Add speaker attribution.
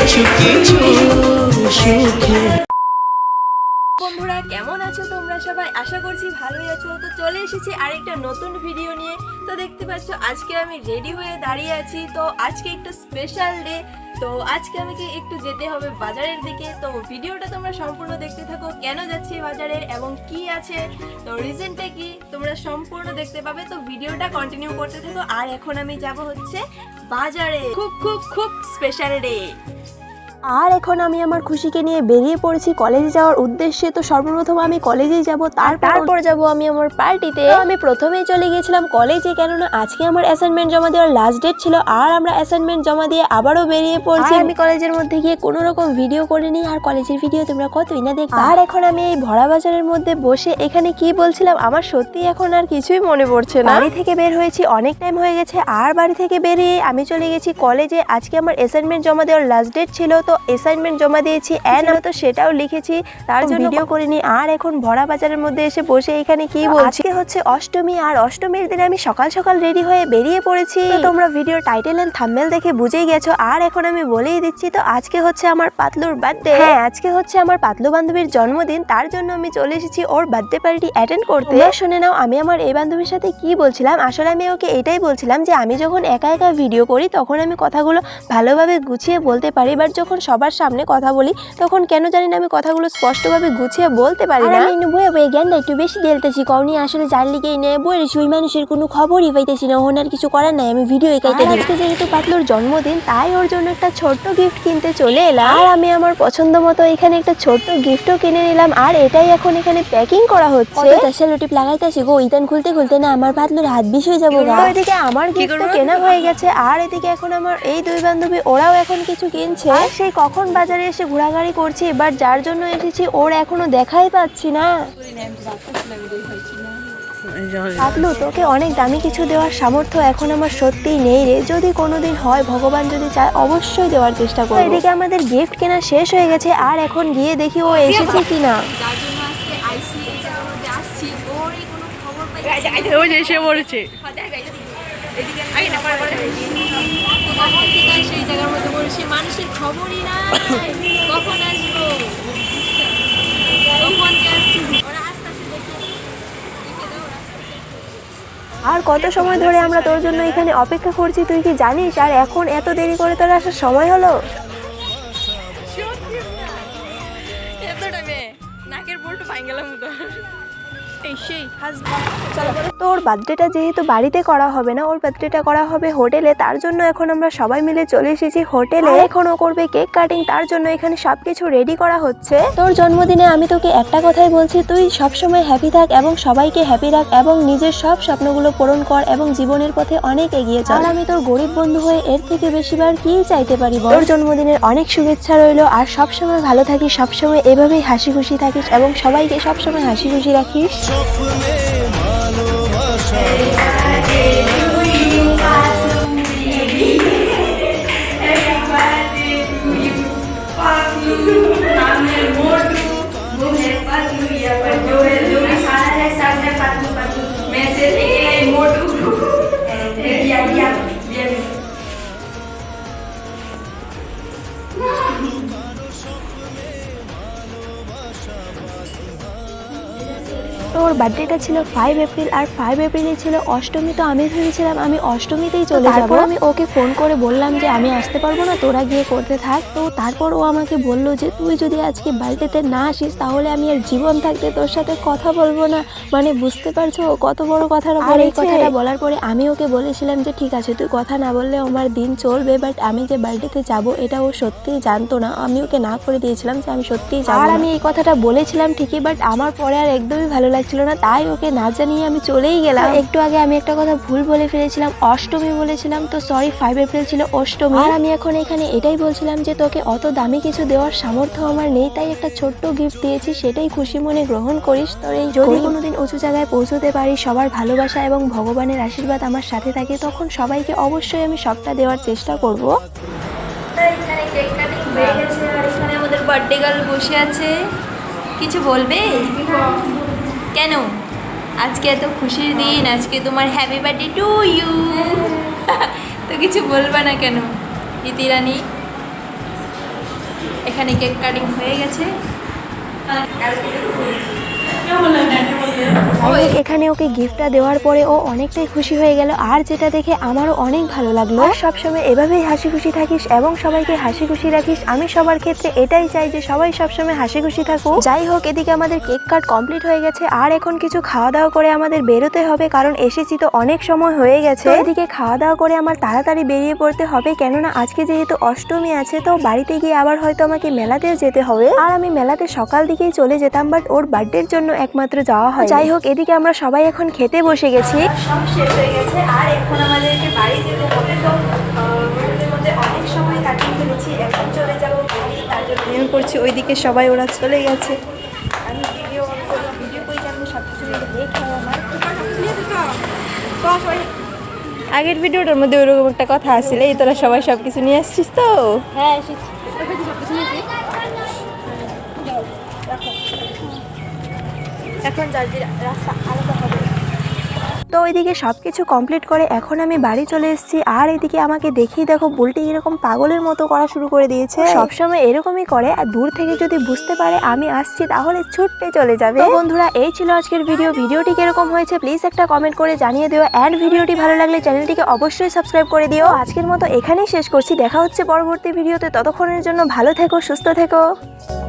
Speaker 1: কিছু কিছু সুখে।
Speaker 2: বন্ধুরা কেমন আছো তোমরা সবাই? আশা করছি ভালোই আছো। তো চলে এসেছি আরেকটা নতুন ভিডিও নিয়ে। তো দেখতে পাচ্ছ আজকে আমি রেডি হয়ে দাঁড়িয়ে আছি। তো আজকে একটা স্পেশাল ডে। তো আজকে আমাকে একটু যেতে হবে বাজারের দিকে। তো ভিডিওটা তোমরা সম্পূর্ণ দেখতে থাকো, কেন যাচ্ছি বাজারে এবং কি আছে, তো রিজনটা কি তোমরা সম্পূর্ণ দেখতে পাবে। তো ভিডিওটা কন্টিনিউ করতে থাকো। আর এখন আমি যাব হচ্ছে বাজারে। খুব খুব খুব স্পেশাল ডে। আর এখন আমি আমার খুশিকে নিয়ে বেরিয়ে পড়েছি কলেজে যাওয়ার উদ্দেশ্যে। তো সর্বপ্রথম আমি কলেজেই যাব, তারপর যাব আমি আমার পার্টিতে। আমি প্রথমেই চলে গিয়েছিলাম কলেজে, কেননা আজকে আমার অ্যাসাইনমেন্ট জমা দেওয়ার লাস্ট ডেট ছিল। আর আমরা অ্যাসাইনমেন্ট জমা দিয়ে আবারও বেরিয়ে পড়ছি। আমি কলেজের মধ্যে গিয়ে কোনো রকম ভিডিও করিনি, আর কলেজের ভিডিও তোমরা কতই না দেখবে। আর এখন আমি এই ভরা বাজারের মধ্যে বসে এখানে কি বলছিলাম আমার সত্যি এখন আর কিছুই মনে পড়ছে না। বাড়ি থেকে বের হয়েছি, অনেক টাইম হয়ে গেছে। আর বাড়ি থেকে বেরিয়ে আমি চলে গেছি কলেজে। আজকে আমার অ্যাসাইনমেন্ট জমা দেওয়ার লাস্ট ডেট ছিল। তো অ্যাসাইনমেন্ট জমা দিয়েছি এন্ড তো সেটাও লিখেছি, তার জন্য ভিডিও করিনি। আর এখন ভরা বাজারের মধ্যে এসে বসে এখানে কি বলছি। আজকে হচ্ছে অষ্টমী, আর অষ্টমীর দিনে আমি সকাল সকাল রেডি হয়ে বেরিয়ে পড়েছি। তো তোমরা ভিডিও টাইটেল এন্ড থাম্বনেল দেখে বুঝেই গেছো। আর এখন আমি বলেই দিচ্ছি, তো আজকে হচ্ছে আমার পাতলুর বার্থডে। হ্যাঁ, আজকে হচ্ছে আমার পাতলু বান্ধবীর জন্মদিন, তার জন্য আমি চলে এসেছি ওর বার্থডে পার্টি অ্যাটেন্ড করতে। শুনে নাও আমি আমার এই বান্ধবীর সাথে কি বলছিলাম। আসলে আমি ওকে এটাই বলছিলাম যে আমি যখন একা একা ভিডিও করি তখন আমি কথাগুলো ভালোভাবে গুছিয়ে বলতে পারি, বাট যখন সবার সামনে কথা বলি তখন কেন জানি না আমি কথাগুলো স্পষ্টভাবে গুছিয়ে বলতে পারি না। আমি বয়ে বয়ে জ্ঞানটা একটু বেশি দেলতেছি কওনি, আসলে যার লিগেই নেই বলেছি ওই মানুষের কোনো খবরই পাইতেছি না। ওনার কিছু করার নাই, আমি ভিডিও একাইতে দিই। আজকে যেহেতু পাতলুর জন্মদিন, তাই ওর জন্য একটা ছোট্ট গিফট কিনতে চলে এলাম। আর আমি আমার পছন্দ মতো এখানে একটা ছোট্ট গিফটও কিনে নিলাম। আর এটাই এখন এখানে প্যাকিং করা হচ্ছে। সেলোটিপ লাগাইতেছি গো, ইতান খুলতে খুলতে না আমার পাতলুর হাত বিষ হয়ে যাবো। এদিকে আমার গিফট কেনা হয়ে গেছে, আর এদিকে এখন আমার এই দুই বান্ধবী ওরাও এখন কিছু কিনছে। আর সেই কখন বাজারে এসে ঘোরাঘুরি করছি, এবার যার জন্য এসেছি ওর এখনো দেখাই পাচ্ছি না। পাতলু, তোকে অনেক দামি কিছু দেওয়ার সামর্থ্য এখন আমার সত্যিই নেই রে। যদি কোনোদিন হয়, ভগবান যদি চায়, অবশ্যই দেওয়ার চেষ্টা করব। এদিকে আমাদের গিফট কেনা শেষ হয়ে গেছে, আর এখন গিয়ে দেখি ও এসেছে কিনা। সেই জায়গার মধ্যে বলছি মানুষের খবরই না, কখন আসবো আর কত সময় ধরে আমরা তোর জন্য এখানে অপেক্ষা করছি, তুই কি জানিস? আর এখন এত দেরি করে তোর আসার সময় হলো। নাকের বল্টু ভাঙ গেলাম তোর বার্থডেটা যেহেতু বাড়িতে করা হবে না, ওর বার্থডেটা করা হবে হোটেলে, তার জন্য এখন আমরা সবাই মিলে চলে এসেছি হোটেলে। এখন ও করবে কেক কাটিং, তার জন্য এখানে সবকিছু রেডি করা হচ্ছে। তোর জন্মদিনে আমি তোকে একটা কথাই বলছি, তুই সবসময় হ্যাপি থাক এবং সবাইকে হ্যাপি রাখ এবং নিজের সব স্বপ্নগুলো পূরণ কর এবং জীবনের পথে অনেক এগিয়ে চল। আর আমি তোর গরিব বন্ধু হয়ে এর থেকে বেশিবার কি চাইতে পারি বল। তোর জন্মদিনের অনেক শুভেচ্ছা রইলো, আর সবসময় ভালো থাকিস, সবসময় এভাবেই হাসি খুশি থাকিস এবং সবাইকে সবসময় হাসি খুশি রাখিস। তোর বার্থডেটা ছিল 5 এপ্রিল, আর 5 এপ্রিলে ছিল অষ্টমী। তো আমি ভেবেছিলাম আমি অষ্টমীতেই চলে যাব। তারপর আমি ওকে ফোন করে বললাম যে আমি আসতে পারবো না, তোরা গিয়ে করতে থাক। তো তারপর ও আমাকে বললো যে তুই যদি আজকে বার্থডেতে না আসিস তাহলে আমি আর জীবন থাকতে তোর সাথে কথা বলবো না। মানে বুঝতে পারছো কত বড় কথাটা বলে। এই কথাটা বলার পরে আমি ওকে বলেছিলাম যে ঠিক আছে তুই কথা না বললে আমার দিন চলবে, বাট আমি যে বার্থডেতে যাব এটা ও সত্যিই জানতো না। আমি ওকে না করে দিয়েছিলাম যে আমি সত্যিই যাব। আর আমি এই কথাটা বলেছিলাম ঠিকই, বাট আমার পরে আর একদমই ভালো লাগছিল না, তাই ওকে না জানিয়ে আমি চলেই গেলাম। একটু আগে আমি একটা কথা ভুল বলে ফেলেছিলাম, অষ্টমী বলেছিলাম, তো সরি 5 এপ্রিল ছিল অষ্টমী। আর আমি এখন এখানে এটাই বলছিলাম যে তোকে অত দামি কিছু দেওয়ার সামর্থ্য আমার নেই, তাই একটা ছোট্ট গিফট দিয়েছি, সেটাই খুশি মনে গ্রহণ করিস। তোর এই যদি কোনোদিন উঁচু জায়গায় পৌঁছতে পারি, সবার ভালোবাসা এবং ভগবানের আশীর্বাদ আমার সাথে থাকে, তখন সবাইকে অবশ্যই আমি সবটা দেওয়ার চেষ্টা করব। এখানে কেক কাটিং হয়ে গেছে, আর এখানে আমাদের বার্থডে গার্ল বসে আছে। কিছু বলবে? কেন আজকে এত খুশির দিন, আজকে তোমার হ্যাপি বার্থডে টু ইউ। তো কিছু বলবা না কেন ইতি রানী? এখানে কেক কাটিং হয়ে গেছে।
Speaker 3: এখানে ওকে গিফটটা দেওয়ার পরে ও অনেকটাই খুশি হয়ে গেল, আর যেটা দেখে আমারও অনেক ভালো লাগলো। সবসময় এভাবেই হাসি খুশি থাকিস এবং সবাইকে হাসি খুশি রাখিস। আমি সবার ক্ষেত্রে এটাই চাই যে সবাই সবসময় হাসি খুশি থাকুক। যাই হোক, এদিকে আমাদের কেক কাট কমপ্লিট হয়ে গেছে, আর এখন কিছু খাওয়া দাওয়া করে আমাদের বেরোতে হবে, কারণ এসেছি তো অনেক সময় হয়ে গেছে। এদিকে খাওয়া দাওয়া করে আমার তাড়াতাড়ি বেরিয়ে পড়তে হবে, কেননা আজকে যেহেতু অষ্টমী আছে, তো বাড়িতে গিয়ে আবার হয়তো আমাকে মেলাতেও যেতে হবে। আর আমি মেলাতে সকাল দিকেই চলে যেতাম, বাট ওর বার্থডের জন্য একমাত্র যাওয়া হয়। যাই হোক, এদিকে আমরা সবাই এখন খেতে বসে গেছি।
Speaker 2: সব শেষ হয়ে গেছে, আর এখন আমাদেরকে বাড়ি যেতে হবে। তো হোটেলের মধ্যে অনেক সময় কাটিয়ে ফেলেছি, এখন চলে যাবো বাড়ি। তার জন্য নেমে পড়ছি। ওইদিকে সবাই ওরা চলে গেছে। আমি ভিডিও অন করলাম, ভিডিও করে আমি সব কিছু দেখে আমার আগের ভিডিওটার মধ্যে ওইরকম একটা কথা আসছিল, এই তোরা সবাই সব কিছু নিয়ে আসছিস তো? হ্যাঁ, এসেছি। এখন যার যে রাস্তা আলাদা হবে।
Speaker 3: তো ওইদিকে সবকিছু কমপ্লিট করে এখন আমি বাড়ি চলে এসেছি, আর এদিকে আমাকে দেখি দেখো বুলটি এরকম পাগলের মতো করা শুরু করে দিয়েছে। সবসময় এরকমই করে, আর দূর থেকে যদি বুঝতে পারে আমি আসছি তাহলে ছুটতে চলে যাবে। তো বন্ধুরা, এই ছিল আজকের ভিডিওটি কিরকম হয়েছে প্লিজ একটা কমেন্ট করে জানিয়ে দিও, এন্ড ভিডিওটি ভালো লাগলে চ্যানেলটিকে অবশ্যই সাবস্ক্রাইব করে দিও। আজকের মতো এখানেই শেষ করছি, দেখা হচ্ছে পরবর্তী ভিডিওতে। ততক্ষণের জন্য ভালো থেকো, সুস্থ থেকো।